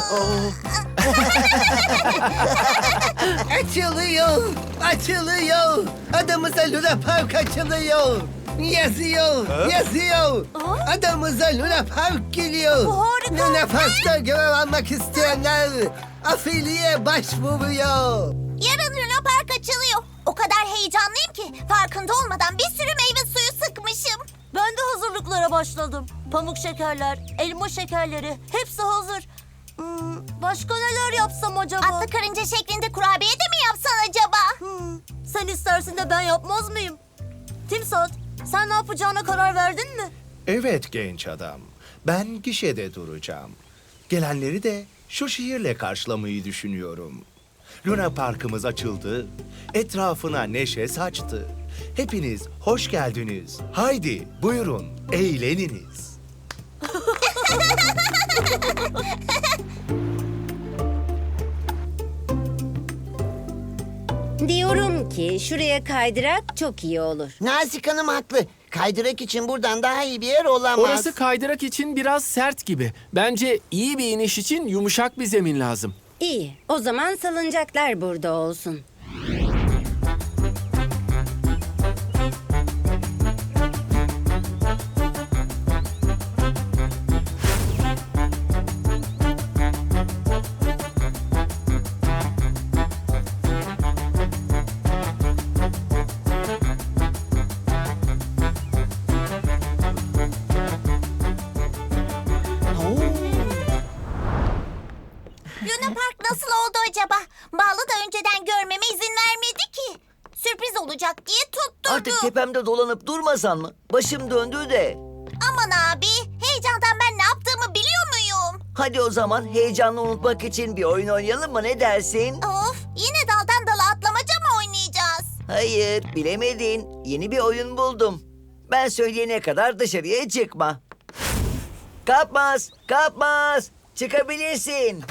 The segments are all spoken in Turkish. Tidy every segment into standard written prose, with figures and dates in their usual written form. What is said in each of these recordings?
Açılıyor, açılıyor. Adamıza Luna Park açılıyor. Yazıyor. Adamıza Luna Park geliyor. Bu harika. Luna Park'ta görev almak isteyenler afiliye başvuruyor. Yarın Luna Park açılıyor. O kadar heyecanlıyım ki farkında olmadan bir sürü meyve suyu sıkmışım. Ben de hazırlıklara başladım. Pamuk şekerler, elma şekerleri hepsi hazır. Başka neler yapsam acaba? Atlı karınca şeklinde kurabiye de mi yapsan acaba? Sen istersin de ben yapmaz mıyım? Timsat, sen ne yapacağına karar verdin mi? Evet genç adam. Ben gişede duracağım. Gelenleri de şu şiirle karşılamayı düşünüyorum. Luna Park'ımız açıldı. Etrafına neşe saçtı. Hepiniz hoş geldiniz. Haydi buyurun eğleniniz. Diyorum ki şuraya kaydırak çok iyi olur. Nazik Hanım haklı. Kaydırak için buradan daha iyi bir yer olamaz. Orası kaydırak için biraz sert gibi. Bence iyi bir iniş için yumuşak bir zemin lazım. İyi, o zaman salıncaklar burada olsun. Luna Park nasıl oldu acaba? Bağlı da önceden görmeme izin vermedi ki. Sürpriz olacak diye tutturdu. Artık tepemde dolanıp durmasan mı? Başım döndü de. Aman abi, heyecandan ben ne yaptığımı biliyor muyum? Hadi o zaman heyecanı unutmak için bir oyun oynayalım mı? Ne dersin? Of, yine daldan dala atlamaca mı oynayacağız? Hayır, bilemedin. Yeni bir oyun buldum. Ben söyleyene kadar dışarıya çıkma. Kapmaz, kapmaz. Çıkabilirsin.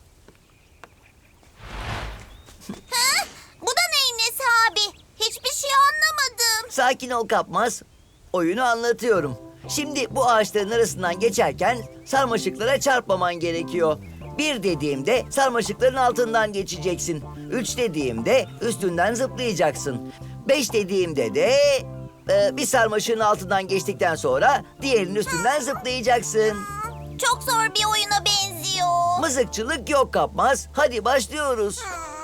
Bu da neyin nesi abi? Hiçbir şey anlamadım. Sakin ol kapmaz. Oyunu anlatıyorum. Şimdi bu ağaçların arasından geçerken sarmaşıklara çarpmaman gerekiyor. 1 dediğimde sarmaşıkların altından geçeceksin. 3 dediğimde üstünden zıplayacaksın. 5 dediğimde de bir sarmaşığın altından geçtikten sonra diğerinin üstünden zıplayacaksın. Çok zor bir oyuna benziyor. Mızıkçılık yok kapmaz. Hadi başlıyoruz.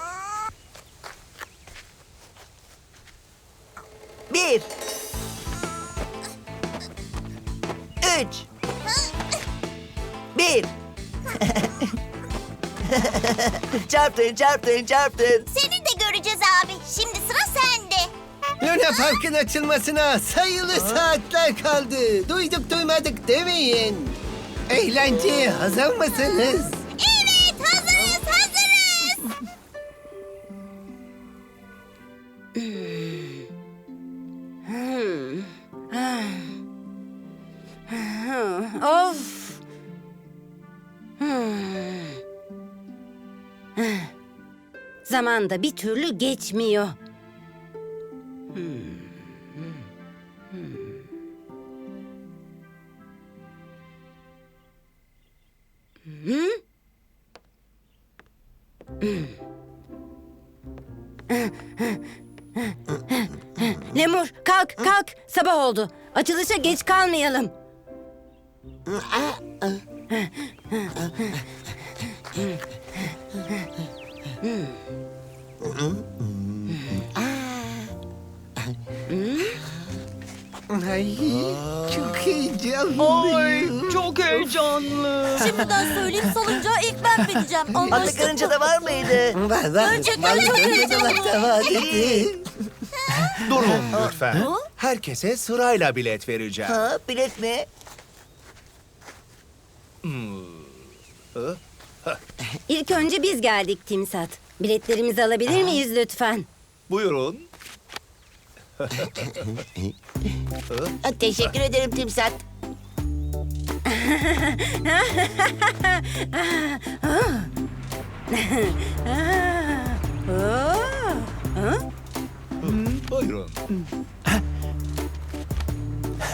1 3 1 Çarptın. Seni de göreceğiz abi. Şimdi sıra sende. Luna Park'ın açılmasına sayılı saatler kaldı. Duyduk duymadık demeyin. Eğlenceye hazır mısınız? Evet, hazırız. Of! Zaman da bir türlü geçmiyor. Lemur, kalk. Sabah oldu. Açılışa geç kalmayalım. Ay, çok heyecanlıyım. Çok heyecanlı. Şimdiden söyleyeyim salıncağa ilk ben bineceğim. Atlı Anlaştık karınca mı? da var mıydı? Var. Önce Vallahi dolapta var dedi. Durun lütfen. Herkese sırayla bilet vereceğim. Ha, bilet mi? İlk önce biz geldik Timsat. Biletlerimizi alabilir miyiz lütfen? Buyurun. Teşekkür ederim Timsat. Buyurun.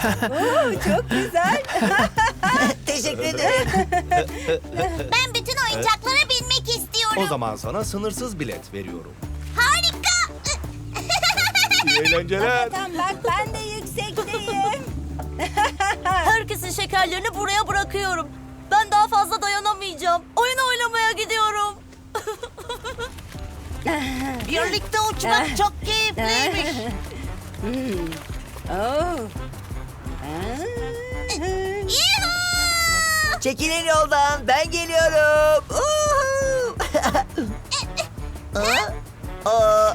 Teşekkür ederim. Ben bütün oyuncaklara binmek istiyorum. O zaman sana sınırsız bilet veriyorum. Harika. İyi eğlenceler. Tamam bak ben de yüksekteyim. Herkesin şekerlerini buraya bırakıyorum. Ben daha fazla dayanamayacağım. Oyun oynamaya gidiyorum. Birlikte uçmak çok keyifliymiş. Oo. Yuhuu! Çekilin yoldan, ben geliyorum. Uhu! Aa,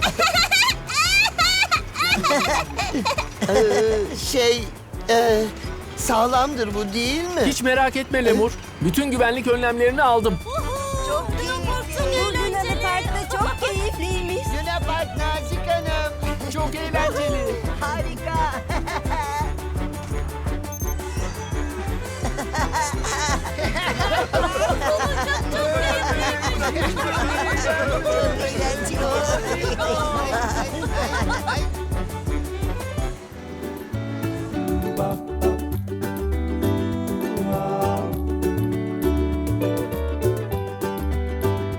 Sağlamdır bu değil mi? Hiç merak etme Lemur. Bütün güvenlik önlemlerini aldım. Çok Bu Luna Park'ta çok keyifliymiş. Luna Park Nazik Hanım. Çok eğlenceli. harika. Eğlenceli oldu.